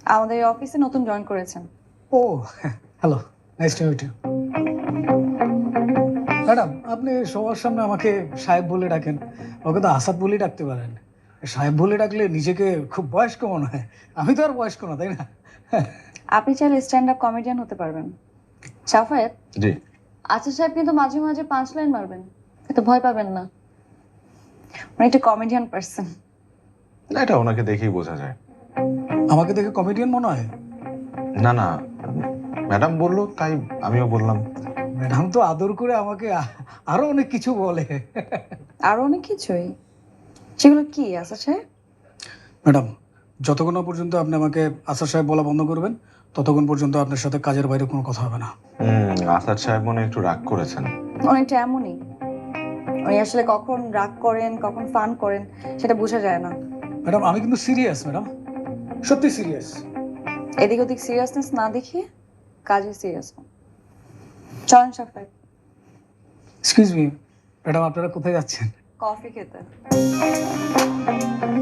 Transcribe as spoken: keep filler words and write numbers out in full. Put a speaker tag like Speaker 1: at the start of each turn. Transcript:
Speaker 1: আমাদের এই অফিসে নতুন জয়েন করেছেন।
Speaker 2: ও hello, nice to meet you. Madam, আপনি সবার সামনে আমাকে সাহেব বলে ডাকেন, ওকে তো আসাদ বলেই ডাকতে পারেন। সাহেব বলে ডাকলে নিজেকে খুব বয়স্ক মনে হয়। আমি তো আর বয়স্ক না, তাই না?
Speaker 1: আপনি চাইলে স্ট্যান্ড আপ কমেডিয়ান হতে পারবেন। সাফায়েত,
Speaker 3: জি।
Speaker 1: আচ্ছা সাহেব কিন্তু মাঝে মাঝে পাঁচ লাইন মারবেন, এত ভয় পাবেন না। মানে একটা কমেডিয়ান পার্সন।
Speaker 3: না, এটা ওনাকে দেখেই বোঝা যায়।
Speaker 2: আমাকে দেখে কমেডিয়ান মনে হয়?
Speaker 3: না না, ম্যাডাম বললো তাই আমিও বললাম।
Speaker 2: ম্যাডাম তো আদর করে আমাকে আ- আরো অনেক কিছু বলে।
Speaker 1: আরো অনেক কিছুই। সেগুলো কি আচ্ছা সাহেব?
Speaker 2: ম্যাডাম, যতক্ষণ না পর্যন্ত আপনি আমাকে আসাদ সাহেব বলা বন্ধ করবেন, ততক্ষণ পর্যন্ত আপনার সাথে কাজের বাইরে কোনো কথা হবে না।
Speaker 3: হুম, আসাদ সাহেব মনে হয় একটু রাগ করেছেন।
Speaker 1: অনেকটা এমনই। উনি আসলে কখন রাগ করেন কখন ফান করেন সেটা বোঝা যায় না।
Speaker 2: ম্যাডাম, আমি কিন্তু সিরিয়াস ম্যাডাম, সত্যি সিরিয়াস।
Speaker 1: এদিক ওদিক সিরিয়াসনেস না দেখিয়ে কাজে সিরিয়াস হন। চলেন সাফায়েত,
Speaker 2: এক্সকিউজ মি ম্যাডাম, আপনারা কোথায় যাচ্ছেন?
Speaker 1: কফি খেতে।